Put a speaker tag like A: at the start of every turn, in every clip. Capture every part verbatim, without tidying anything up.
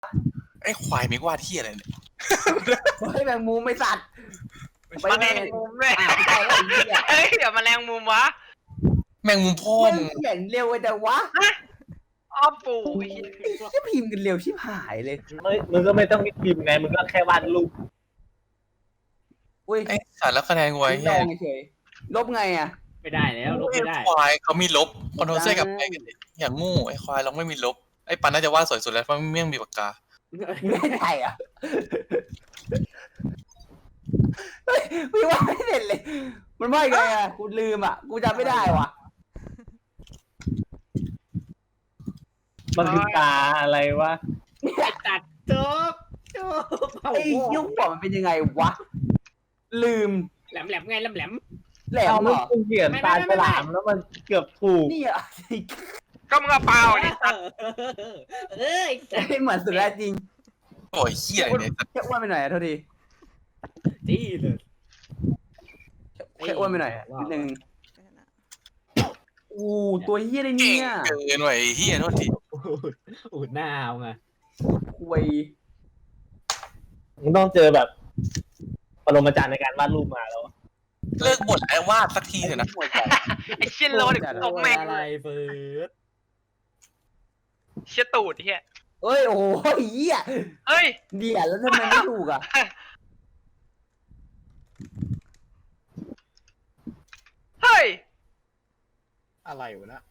A: ไอ้ควายไม่ว่าที่อะไรเนี่ย
B: เฮ้ยแมงมุมไม่สัตว์ไป
C: แม
B: แม
C: ง
B: ง
C: มุมเลย
B: อ่าไปแล้วไอ้เหี้ย
C: เฮ้ยเดี๋ยวแมลงมุมวะ
A: แมงมุมพ่อ
B: มึ
A: มึ
B: ง
A: ง
B: เขียนเร็วแต่วะ
C: อ้อปู่
B: ไอ้เหี้ยพิมพ์กันเร็วชิบหายเลย
D: ไม่มึงก็ไม่ต้องพิมพ์ไงมึงก็แค่วาดรูป
B: อุ้ย
A: ไอ้สารแล้วคะแนนไว้
B: ล
A: เฮีย
B: องเฉยลบไงอ่ะ
E: ไม่ได้แล้วลบ
A: ไอ้
E: ไม่ได้
A: ควายเขามีลบคอนโทรลเซกับไปกันดิอย่างงูไอ้ควายเราไม่มีลบไอ้ปันน่าจะวาดสวยสุดแล้วเพราะเมี่ยงมีปากกา
B: ไม่ได้อ่ะเฮ้ยพี่ว่าไม่เสร็จเลย มันว่าไงอ่ะกูลืมอ่ะกูจำไม่ได้ว่ะ
D: มันคือตาอะไรวะ
E: ไอ้ตัดจบจบเอา
B: ไอ้ยุคก่อนมันเป็นยังไงวะลืม
E: แหลมแหลมไงแหลมแหลม
B: แหล
D: เอา
B: มเหร
D: มัน
B: อ
D: กูเขียนตาฉลามแล้วมันเกือบถูก
B: นี่อ่ะ
C: ก็มึงเอาเปล่าดิ
E: เอ้ย
B: ไม่เหมือนสุดแล้วจริง
A: โอ้ยเฮียเนี่ย
B: แค่อ้วนไปหน่อยอ่ะเท่าที
E: จี้เลย
B: แค่อ้วนไปหน่อยอ่ะนิดนึงอู้ตัวเฮี้ยอะไร
A: เก่
B: เนี่
A: ง
B: ย
A: เกินว่ะไอ้เฮียโทษที
E: อูดหน้าเอาไง
B: คุย
D: มึงต้องเจอแบบปรมาจารย์ในการวาดรูปมาแล้ว
A: เลิกบ่นแล้ววาดสักทีเถอะนะ
C: ไอ้เชี่ยโลดตบแม่ง
E: อะไรเฟิร์ส
C: เชี่ยตูดเฮีย
B: เอ้ยโอ้โหเหี้ย
C: เฮ้ย
B: เดี๋ยวแล้วทำไมไม่ถูกอ่ะ
C: เฮ้ย
F: อะไรวะนะ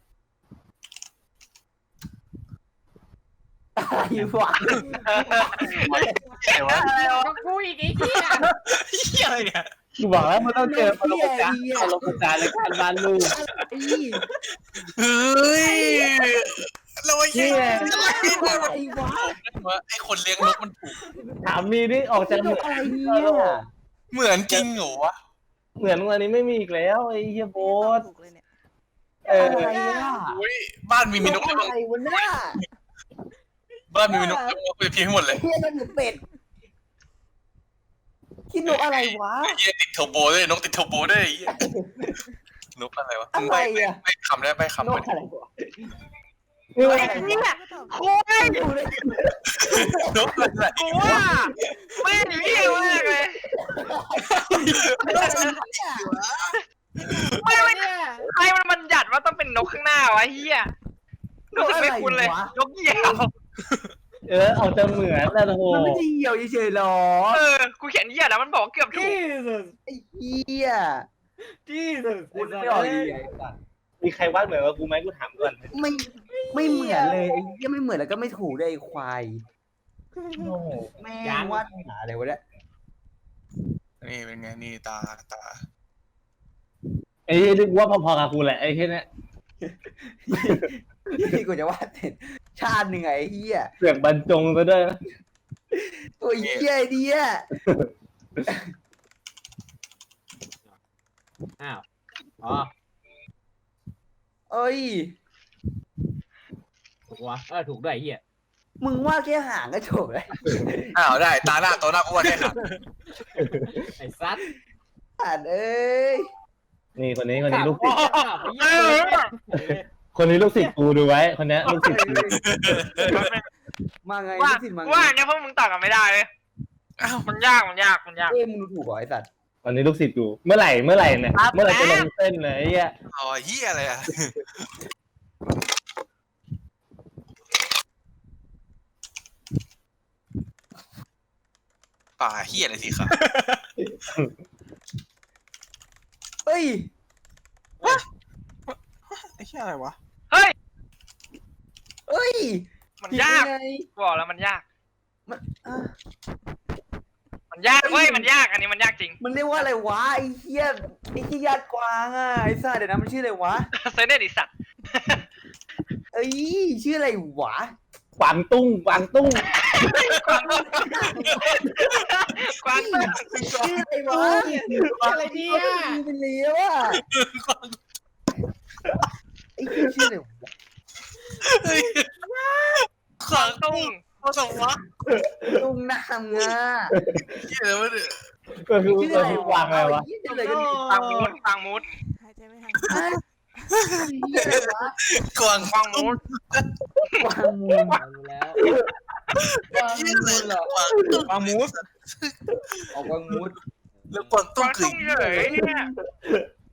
B: อะไรวะ
A: ไอ้วะ
C: อะไรวะ
E: ก็กูอีกไอ้เหี้ย
A: เฮียอะไรเนี่ย
D: กูบอกแล้วมันต้องเจอปรมาจารย์
B: เหี้ย
D: ปรมาจารย์ในการวาดรูป
B: ไอ้
A: เฮ้ยเราไอ้เฮีย
B: ไอ้วะ
A: ไอ้คนเลี้ยงนกมันถูก
D: ถามมีนี่ออกจากเหมือน
B: อะไรเนี่ย
A: เหมือนจริงเหรอวะ
D: เหมือนวันนี้ไม่มีอีกแล้วไอ้เฮียโบส
G: ถูกเลยเนี่ย
D: เออ
B: อะไรอ่ะ
A: อุ้ยบ้านมีมีนก
B: อะ
A: เลี้ยง
B: ไรวะเนี่ย
A: บ้านมีมีนกเลี้ยงไปเพียงให้หมดเลย
B: เฮียนั่นหรือเป็ดคิดนกอะไรวะ
A: ไอ้เฮียติดเทอร์โบด้วยนกติดเทอร์โบด้วยไอ้เฮียนกอะไรวะ
B: อะไรอะ
A: ไม่คำได้ไม่คำ
B: น
A: ไป
B: กอะไรวะ
D: นี่มัน
C: ไอ้เนี่ยโค้ย
B: ดูเลย
A: นกอะไร
C: กูว่าไม่งเฮียมากเลย
B: นกอะไรเนี่ย
C: ไม่ไม่
E: เนี่ย
C: ใครมันบัญญัติว่าต้องเป็นนกข้างหน้าวะเฮียรู้สึกไม่คุ้นเลยนกเหยี่ยว
D: เออออกจะเหมือนแล้วโอ้โห
B: มันไม่ได้เหี่ยวเฉยๆหรอ
C: เออกูเขียนเหยี่ยวแล้วมันบอกเกือบถู
E: จี้
C: ก
E: สุด
B: ไอ้เหี้ย
E: จี้สุด
B: คุณไม่ออกดีไอ้สัส
D: มีใครวาดเหมือนกับกูไหมกูถามก่อน
B: ไม่ไม่เหมือนเลยไอ้เหี้ยไม่เหมือนแล้วก็ไม่ถูกด้วยไอ้ควาย
D: โอ้โห
B: แม่งวาดหาอะไรวะเนี่ย
A: นี่เป็นไงนี่ตาตา
D: ไอ้ที่นึกว่าพอๆกับกูแหละไอ้แค่นี้
B: ที่กูจะวาดเสร็จชาติหนึ่งไงไอ้เหี้ย
D: เสือกบรรจงซะด้วยนะ
B: ตัวเหี้ยไอ้เนี่ย
E: อ้าวอ๋อ
B: เอ้ย
E: ถูกวะเออถูกด้วยไอ้เหี้ย
B: มึงวาดแค่หางก็จบแล้ว
A: อ้าวได้ตาหน้าตัวหน้ากูว่าแค่หัก
E: ไอ้ซัด
B: อ่านเอ้ย
D: นี่คนนี้คนนี้ลูกศิษย์
C: เออ
D: คนนี้ลูกศิษย์กูดูไว้คนนี้ลูกศิษย์กู
B: มาไง
C: ว่า
B: ลูกศิษย์มาไง
C: ว่าเนี่ยพวกมึงตอบกันไม่ได้เลย
A: อ้าว
C: มันยากมันยากมันยาก
B: เอ้ยมึงดูถูกเหรอไอ้สัตว์
D: วันนี้ลูกศิษย์กูเมื่อไหร่เมื่อไหร่เนี่ยเมื่อไหร่จะลงเส้นเลยไอ้เหี้ย
A: อ๋อเฮียอะไรอ่ะป่าเฮียอะไรสิครับ
B: เอ้ย
F: ไอ้เหี้ยอะไรวะ
C: เฮ้ย
B: เอ้ย
C: มันยาก
B: ผิดได้ไง
C: บอกแล้วมันยาก
B: มันอ่ะ
C: มันยากเว้ยมันยากอันนี้มันยากจริง
B: มันเรียกว่าอะไรวะไอ้เหี้ยไอ้เหี้ยญาติกวางอ่ะไอ้สัตว์เดี๋ยวนะมันชื่ออะไรวะ
C: เซนเนดิสัตว์
B: เอ้ยชื่ออะไรวะ
D: กวางตุ้งกวางตุ้ง
C: กวางตุ้งกวางตุ้ง
B: ชื่ออะไรวะ
E: อะไรเนี่ย
B: มีเป็นเลี้ยวอ่ะไอ้เหี้ยชื่ออะไรวะ
C: กวางตุ้ง
A: เขาส่งวะ
B: ลุงน้ำงา
A: เฮียอะไรวะเนี่ย
D: ก็คือ
B: ชื่อ
D: ก็
B: อะไร
D: คือก
B: วะ
D: วางอะไรวะ
B: เหี้ยชื่ออะไรกันเนี่ย
C: กวางมูดกวางมูด
G: หายใจไม่ทัน
B: ฮะเหี้ยอะไรวะ
A: กวาง
C: กวางมูด
B: กวางมูล
E: รู้แล้ว
B: วางมูดเหรอ
F: วางมูส
B: ออกวางมูด
A: แล้วกวางตุ้
C: วาง ง
A: คือ
C: ตุ้งเฉยเนี่ย